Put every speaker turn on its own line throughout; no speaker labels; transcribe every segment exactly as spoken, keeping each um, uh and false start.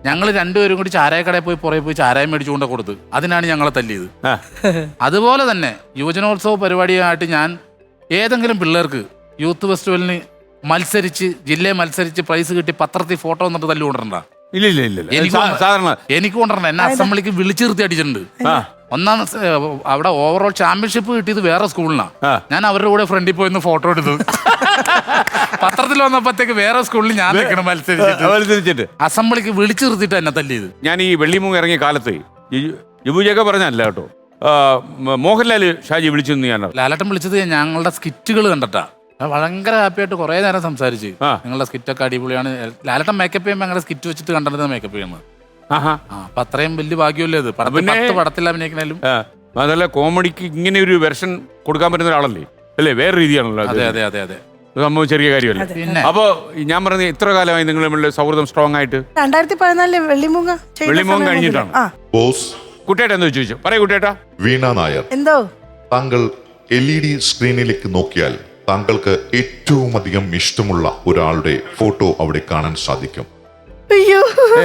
ഞങ്ങൾ രണ്ടുപേരും കൂടി ചാരായക്കടയിൽ പോയി പുറകെ പോയി ചാരായം മേടിച്ചുകൊണ്ട് കൊടുത്ത് അതിനാണ് ഞങ്ങളെ തല്ലിയത്. അതുപോലെ തന്നെ യുവജനോത്സവ പരിപാടിയായിട്ട് ഞാൻ ഏതെങ്കിലും പിള്ളേർക്ക് യൂത്ത് ഫെസ്റ്റിവലിന് മത്സരിച്ച് ജില്ലയിൽ മത്സരിച്ച് പ്രൈസ് കിട്ടി പത്രത്തിൽ ഫോട്ടോ വന്നിട്ട് തല്ലു കൊണ്ടിട്ടുണ്ടാ?
ഇല്ല ഇല്ല ഇല്ല
എനിക്ക്
സാധാരണ
എനിക്ക് കൊണ്ടിട്ടുണ്ട്. എന്നെ അസംബ്ലിക്ക് വിളിച്ചു നിർത്തി അടിച്ചിട്ടുണ്ട്. ഒന്നാം അവിടെ ഓവറോൾ ചാമ്പ്യൻഷിപ്പ് കിട്ടിയത് വേറെ സ്കൂളിനാണ്. ഞാൻ അവരുടെ കൂടെ ഫ്രണ്ടിൽ പോയിന്ന് ഫോട്ടോ എടുത്തു. പത്രത്തിൽ വന്നപ്പോഴത്തേക്ക് വേറെ സ്കൂളിൽ ഞാൻ നിൽക്കണം മത്സരിച്ചിട്ട് അസംബ്ലിക്ക് വിളിച്ചു നിർത്തിയിട്ട് എന്നെ തല്ലിയത്. ഞാൻ
ഈ വെള്ളിമൂങ്ങ ഇറങ്ങിയ കാലത്ത് യുബുജൊക്കെ പറഞ്ഞല്ല കേട്ടോ, മോഹൻലാല് ഷാജി വിളിച്ചു. ഞാൻ
ലാലേട്ടൻ വിളിച്ചത് ഞങ്ങളുടെ സ്കിറ്റുകൾ കണ്ടിട്ടാ. ഭയങ്കര ഹാപ്പി ആയിട്ട് കുറെ നേരം സംസാരിച്ച്. നിങ്ങളുടെ സ്കിറ്റൊക്കെ അടിപൊളിയാണ്. ലാലേട്ടൻ മേക്കപ്പ് ചെയ്യുമ്പോൾ ഞങ്ങളുടെ സ്കിറ്റ് വെച്ചിട്ട് കണ്ടിരുന്നത് മേക്കപ്പ് ചെയ്യുന്നത്. അപ്പൊ അത്രയും വലിയ ഭാഗ്യമല്ലേ അത്. പത്ത് പടത്തിൽ അഭിനയിക്കണേലും
അതല്ല, കോമഡിക്ക് ഇങ്ങനെ ഒരു വെർഷൻ കൊടുക്കാൻ പറ്റുന്ന ഒരാളല്ലേ അല്ലേ? വേറെ രീതിയാണല്ലോ.
അതെ അതെ അതെ അതെ
സംഭവം ചെറിയ കാര്യമല്ല. അപ്പൊ ഞാൻ പറഞ്ഞ ഇത്ര കാലമായി നിങ്ങൾ തമ്മിലുള്ള സൗഹൃദം സ്ട്രോങ് ആയിട്ട്?
രണ്ടായിരത്തി പതിനാലില് വെള്ളിമൂങ്ങ
വെള്ളിമൂങ്ങ കഴിഞ്ഞിട്ടാണ്. കുട്ടേട്ട എന്താ ചോദിച്ചു? പറയൂ കുട്ടേട്ട.
വീണ നായർ,
എന്തോ താങ്കൾ
എൽ ഇ ഡി സ്ക്രീനിലേക്ക് നോക്കിയാൽ താങ്കൾക്ക് ഏറ്റവും അധികം ഇഷ്ടമുള്ള ഒരാളുടെ ഫോട്ടോ അവിടെ കാണാൻ സാധിക്കും.
അയ്യോ,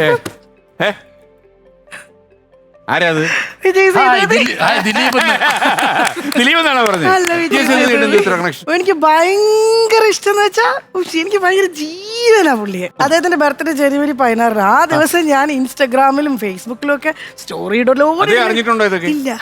ആരാത്?
എനിക്ക് ഭയങ്കര ഇഷ്ടം വെച്ചാ എനിക്ക് ഭയങ്കര ജീവനാ പുള്ളിയെ. അദ്ദേഹത്തിന്റെ ബർത്ത്ഡേ ജനുവരി പതിനാറിന്. ആ ദിവസം ഞാൻ ഇൻസ്റ്റാഗ്രാമിലും ഫേസ്ബുക്കിലും ഒക്കെ സ്റ്റോറി ഇടലോ ഇല്ല.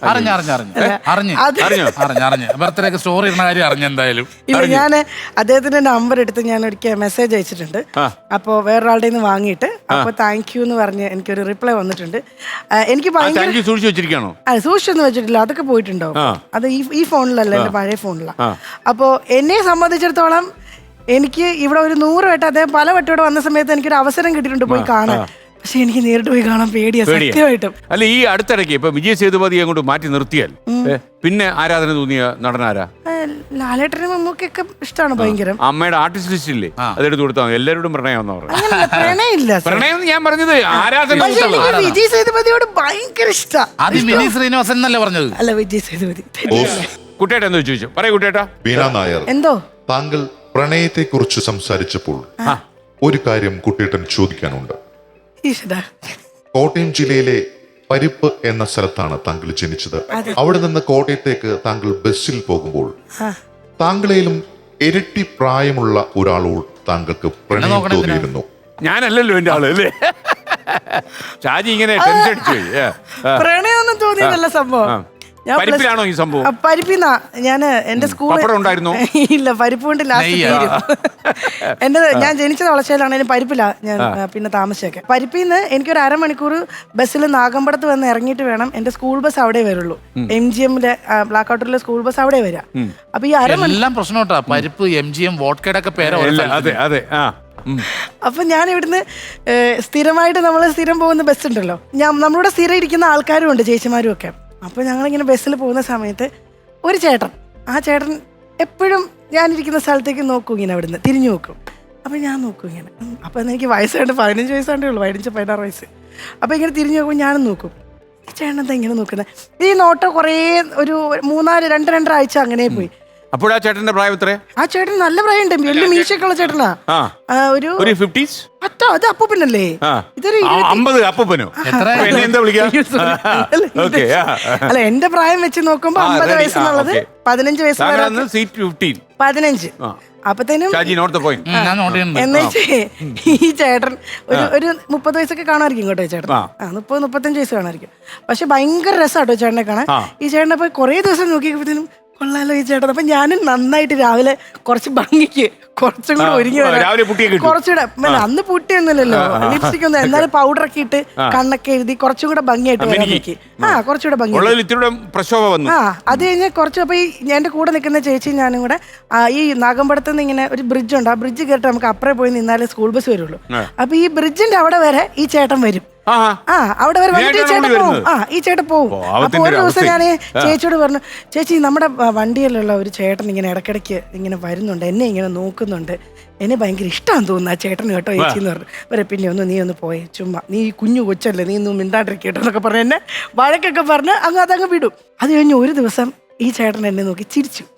ഇല്ല, ഞാൻ അദ്ദേഹത്തിന്റെ നമ്പർ എടുത്ത് ഞാൻ ഒരിക്കൽ മെസ്സേജ് അയച്ചിട്ടുണ്ട്. അപ്പൊ വേറൊരാളുടെ നിന്ന് വാങ്ങിയിട്ട് അപ്പൊ താങ്ക് യു എന്ന് പറഞ്ഞ് എനിക്കൊരു റിപ്ലൈ വന്നിട്ടുണ്ട്. എനിക്ക് സൂക്ഷിച്ചൊന്നും വെച്ചിട്ടില്ല, അതൊക്കെ പോയിട്ടുണ്ടോ? അത് ഈ ഫോണിലല്ല, എന്റെ പഴയ ഫോണിലാണ്. അപ്പോ എന്നെ സംബന്ധിച്ചിടത്തോളം എനിക്ക് ഇവിടെ ഒരു നൂറ് വട്ടം അദ്ദേഹം പല വട്ടം ഇവിടെ വന്ന സമയത്ത് എനിക്കൊരു അവസരം കിട്ടിയിട്ടുണ്ട് പോയി കാണാൻ. പക്ഷെ എനിക്ക് നേരിട്ട് പോയി കാണാൻ പേടിയാ സത്യമായിട്ടും.
അല്ല, ഈ അടുത്തിടയ്ക്ക് ഇപ്പൊ വിജയ് സേതുപതി അങ്ങോട്ട് മാറ്റി നിർത്തിയാൽ പിന്നെ ആരാധന തോന്നിയ നടനാരാ?
ലാലേട്ടനും മമ്മൂക്കൊക്കെ ഇഷ്ടമാണ് ഭയങ്കര.
അമ്മയുടെ ആർട്ടിസ്റ്റ് ലിസ്റ്റ് ഇല്ലേ, അതെടുത്ത് കൊടുത്താൽ എല്ലാവരോടും പ്രണയം
പ്രണയമില്ല.
പ്രണയം ഞാൻ പറഞ്ഞത് ആരാധന.
വിജയ് സേതുപതിയോട് ഭയങ്കര ഇഷ്ടമാണ്.
ശ്രീനിവാസൻ എന്നല്ലേ പറഞ്ഞത്?
അല്ല, വിജയ് സേതുപതി.
കുട്ടേട്ട എന്താ ചോദിച്ചു? പറയൂ കുട്ടേട്ട.
വീണ നായർ,
എന്തോ
താങ്കൾ പ്രണയത്തെ കുറിച്ച് സംസാരിച്ചപ്പോൾ ഒരു കാര്യം കുട്ടേട്ടൻ ചോദിക്കാനുണ്ട്. കോട്ടയം ജില്ലയിലെ പരിപ്പ് എന്ന സ്ഥലത്താണ് താങ്കൾ ജനിച്ചത്. അവിടെ നിന്ന് കോട്ടയത്തേക്ക് താങ്കൾ ബസ്സിൽ പോകുമ്പോൾ താങ്കളേലും ഇരട്ടി പ്രായമുള്ള ഒരാളോട് താങ്കൾക്ക് പ്രണയം തോന്നിയിരുന്നു.
ഞാനല്ലല്ലോ എന്റെ ആള് അല്ലേ? ഷാജി ഇങ്ങനെ ടെൻഷൻ അടിച്ചു.
പ്രണയമൊന്നും തോന്നിയതല്ല സംഭവം.
പരിപ്പിലാണോ ഈ സംഭവം?
പരിപ്പിന്നാ. ഞാന് എന്റെ സ്കൂളിൽ
ഉണ്ടായിരുന്നു.
ഇല്ല, പരിപ്പ് കൊണ്ട് ലാസ്റ്റ് എന്റെ ഞാൻ ജനിച്ചത് വളശ്ശേരിയിലാണ്. പരിപ്പില്ല ഞാൻ പിന്നെ താമസിച്ചൊക്കെ. പരിപ്പിന്ന് എനിക്കൊരു അരമണിക്കൂർ ബസ്സിൽ നാഗമ്പടത്ത് വന്ന് ഇറങ്ങിയിട്ട് വേണം. എന്റെ സ്കൂൾ ബസ് അവിടെ വരുള്ളൂ. എം ജി എമ്മിലെ ബ്ലാക്ക് ഔട്ടിലെ സ്കൂൾ ബസ് അവിടെ വരാം. അപ്പൊ ഈ അരമണിക്കൂർ പ്രശ്നോട്ടാ പരിപ്പ് എം ജി എം വോഡ്കയുടെ ഒക്കെ പേര്.
അതെ അതെ.
അപ്പൊ ഞാൻ ഇവിടുന്ന് സ്ഥിരമായിട്ട് നമ്മൾ സ്ഥിരം പോകുന്ന ബസ് ഉണ്ടല്ലോ, ഞാൻ നമ്മളിവിടെ സ്ഥിരം ഇരിക്കുന്ന ആൾക്കാരും ഉണ്ട്, ചേച്ചിമാരും ഒക്കെ. അപ്പൊ ഞങ്ങളിങ്ങനെ ബസ്സിൽ പോകുന്ന സമയത്ത് ഒരു ചേട്ടൻ, ആ ചേട്ടൻ എപ്പോഴും ഞാനിരിക്കുന്ന സ്ഥലത്തേക്ക് നോക്കും, ഇങ്ങനെ അവിടുന്ന് തിരിഞ്ഞു നോക്കും. അപ്പൊ ഞാൻ നോക്കും ഇങ്ങനെ. അപ്പൊ എനിക്ക് വയസ്സായിട്ട് പതിനഞ്ച് വയസ്സാണ്ടേ ഉള്ളൂ, പതിനഞ്ച് പതിനാറ് വയസ്സ്. അപ്പൊ ഇങ്ങനെ തിരിഞ്ഞു നോക്കും, ഞാനും നോക്കും. ഈ ചേട്ടൻ എന്താ ഇങ്ങനെ നോക്കുന്നത്? ഈ നോട്ടം കുറേ ഒരു മൂന്നാല് രണ്ട് രണ്ടര ആഴ്ച അങ്ങനെ പോയി.
അപ്പോൾ ആ ചേട്ടന്റെ പ്രായം എത്രയാ?
ആ ചേട്ടൻ നല്ല പ്രായമുണ്ട്, വലിയ മീശയൊക്കെ ഉള്ള ചേട്ടനാ. ഒരു അറ്റോ അത് അപ്പൂപ്പനല്ലേ? ഇതൊരു
അപ്പൂപ്പനോ?
അല്ല, എന്റെ പ്രായം വെച്ച് നോക്കുമ്പോ അമ്പത് വയസ്സെന്നുള്ളത് പതിനഞ്ച് വയസ്സ് പതിനഞ്ച്. അപ്പത്തേനും എന്നുവെച്ചേ ഈ ചേട്ടൻ ഒരു ഒരു മുപ്പത് വയസ്സൊക്കെ കാണുമായിരിക്കും കേട്ടോ ചേട്ടൻ. ആ മുപ്പത് മുപ്പത്തഞ്ച് വയസ്സ് കാണുമായിരിക്കും. പക്ഷെ ഭയങ്കര രസമാട്ടോ ചേട്ടനെ കാണാൻ. ഈ ചേട്ടനെ പോയി കുറേ ദിവസം നോക്കിയപ്പോഴത്തേനും കൊള്ളാലോ ഈ ചേട്ടൻ. അപ്പൊ ഞാനും നന്നായിട്ട് രാവിലെ കുറച്ച് ഭംഗിക്ക് കുറച്ചും കൂടെ ഒരുങ്ങി വരാം. കുറച്ചുകൂടെ അന്ന് പുട്ടിയൊന്നുമില്ലല്ലോ, ലിപ്സ്റ്റിക് ഒന്നും, എന്നാലും പൗഡർ ഒക്കെ ഇട്ട് കണ്ണൊക്കെ എഴുതി കുറച്ചും കൂടെ ഭംഗിയായിട്ട് വരാൻ നോക്കി. ആ കുറച്ചുകൂടെ ഭംഗി. ആ അത് കഴിഞ്ഞ് കുറച്ച് അപ്പൊ ഈ എന്റെ കൂടെ നിൽക്കുന്ന ചേച്ചി ഞാനും കൂടെ ഈ നാഗമ്പടത്ത് നിന്ന് ഇങ്ങനെ ഒരു ബ്രിഡ്ജ് ഉണ്ട്, ആ ബ്രിഡ്ജ് കയറിട്ട് നമുക്ക് അപ്പുറം പോയി നിന്നാലേ സ്കൂൾ ബസ് വരുള്ളൂ. അപ്പൊ ഈ ബ്രിഡ്ജിന്റെ അവിടെ വരെ ഈ ചേട്ടൻ വരും. ആ അവിടെ വരെ വന്നിട്ട് ഈ ചേട്ടൻ പോവും. ആ ഈ ചേട്ടൻ പോവും. അപ്പൊ ഒരു ദിവസം ഞാൻ ചേച്ചിയോട് പറഞ്ഞു, ചേച്ചി നമ്മുടെ വണ്ടിയിലുള്ള ഒരു ചേട്ടൻ ഇങ്ങനെ ഇടയ്ക്കിടയ്ക്ക് ഇങ്ങനെ വരുന്നുണ്ട്, എന്നെ ഇങ്ങനെ നോക്കുന്നുണ്ട്, എന്നെ ഭയങ്കര ഇഷ്ടമാണെന്ന് തോന്നുന്നു ആ ചേട്ടന് കേട്ടോ ചേച്ചി എന്ന് പറഞ്ഞു. വരെ പിന്നെ ഒന്ന് നീ ഒന്ന് പോയേ, ചുമ്മാ നീ കുഞ്ഞു കൊച്ചല്ലേ, നീ ഒന്നും മിണ്ടാണ്ടിരിക്കട്ടോ എന്നൊക്കെ പറഞ്ഞു എന്നെ വഴക്കൊക്കെ പറഞ്ഞ് അങ്ങ് അതങ്ങ് വിടും. അത് കഴിഞ്ഞ് ഒരു ദിവസം ഈ ചേട്ടൻ എന്നെ നോക്കി ചിരിച്ചു.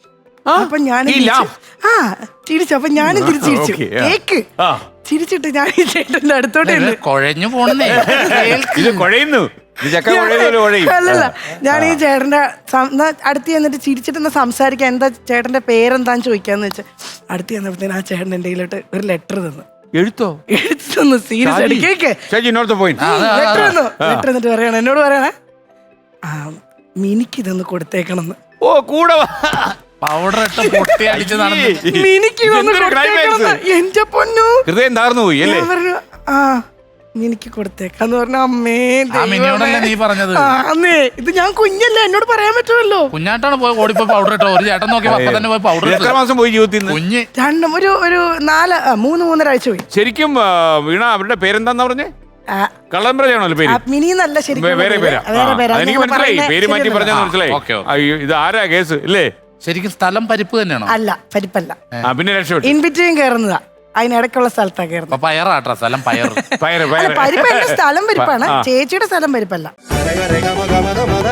അപ്പൊ ഞാൻ
ഈ laugh.
ആ ചിരിച്ചു. അപ്പൊ ഞാനും തിരിച്ചു ചിരിച്ചു.
Okay, yeah.
കേക്ക്
ആ.
ചിരിച്ചിട്ട് ഞാൻ ഈ ചേട്ടന്റെ അടുത്തോട്ട്
ഇത് കുഴഞ്ഞു പോണെന്നേ
ഇത് കുഴയുന്നു. ഇത് ചക്ക കുഴയുന്നല്ലോ കുഴയും.
അല്ലല്ല, ഞാൻ ഈ ചേട്ടന്റെ സം- എന്നാ അടുത്ത് ചെന്നിട്ട് ചിരിച്ചിട്ട് സംസാരിക്കാൻ, എന്താ ചേട്ടന്റെ പേരെന്താന്ന് ചോദിക്കാന്ന് വെച്ചാൽ അടുത്ത് ചെന്നപ്പോഴത്തേന് ആ ചേട്ടൻ എന്റെ കയ്യിലോട്ട് ഒരു ലെറ്റർ തന്നു.
എഴുത്തോ?
എഴുത്ത് തന്നു. സീരിയസ് ആയിട്ട് കേക്ക്
Shaji not the point.
Letter തന്നു. ലെറ്റർ എന്നിട്ട് പറയണ എന്നോട് പറയണേ, ആ മിനിക്ക് ഇതൊന്ന് കൊടുത്തേക്കണമെന്ന്.
ഓ കൂടെ വാ.
പൗഡർ ഇട്ട് പൊട്ടി അടിച്ച് നടന്നു.
മിനിക്ക് ഇതൊന്ന്
ഇതെന്തൊരു
കൊടുത്തേക്കണമെന്ന്.
climax.
എന്റെ പൊന്നു.
ഹൃദയം താർന്നു പോയി അല്ലേ?
ഞാൻ പറഞ്ഞു ആ മിനിക്ക് കൊടുത്തേക്കാന്ന് പറഞ്ഞ അമ്മേ
ആ മിനിയോടല്ലേ നീ പറഞ്ഞത്?
അന്നേ ഇത് ഞാൻ കുഞ്ഞല്ലേ, എന്നോട് പറയാൻ പറ്റുമല്ലോ.
കുഞ്ഞാട്ടാണ് പോയി ഓടിപ്പോ പൗഡർ ഇട്ടോ. ഒരു ചേട്ടൻ നോക്കി അപ്പൊ തന്നെ പോയി പൗഡർ
എത്ര മാസം പോയി ജീവിതത്തിൽ നിന്ന്?
കുഞ്ഞ്
രണ്ടും ഒരു ഒരു നാല് ആ, മൂന്ന് മൂന്നര ആഴ്ച പോയി.
ശരിക്കും ആ, വീണ അവരുടെ പേരെന്താന്ന് പറഞ്ഞേ?
ആ,
കള്ളംബ്രയാണല്ലോ പേര്?
ആ, മിനി എന്നല്ല ശരിക്കും
വേ- വേറെ പേരാ?
വേറെ
ആ,
പേരാ.
അതെനിക്ക്
നിങ്ങൾ
മനസ്സിലായി.
പറയുന്നത്
പേര് മാറ്റി
ശരിയല്ലല്ലോ.
പറഞ്ഞാൽ മനസ്സിലായി.
Okay, okay.
അയ്യോ, ഇത് ആരാ കേസ് ഇല്ലേ?
ശരിക്കും സ്ഥലം പരിപ്പ് തന്നെയാണോ?
അല്ല, പരിപ്പല്ല.
ആ പിന്നെ രക്ഷപ്പെട്ടു.
In between കയറുന്നതാ. അതിനിടയ്ക്കുള്ള സ്ഥലത്താ കയറുന്നത്.
അപ്പൊ പയറാട്ടാ സ്ഥലം പയർ.
പയറ്
അല്ല,
പയറ്
പരിപ്പ് എന്റെ സ്ഥലം പരിപ്പാണ്,
ആ.
ചേച്ചിയുടെ സ്ഥലം പരിപ്പല്ല.
Rega, rega, maga, maga, maga.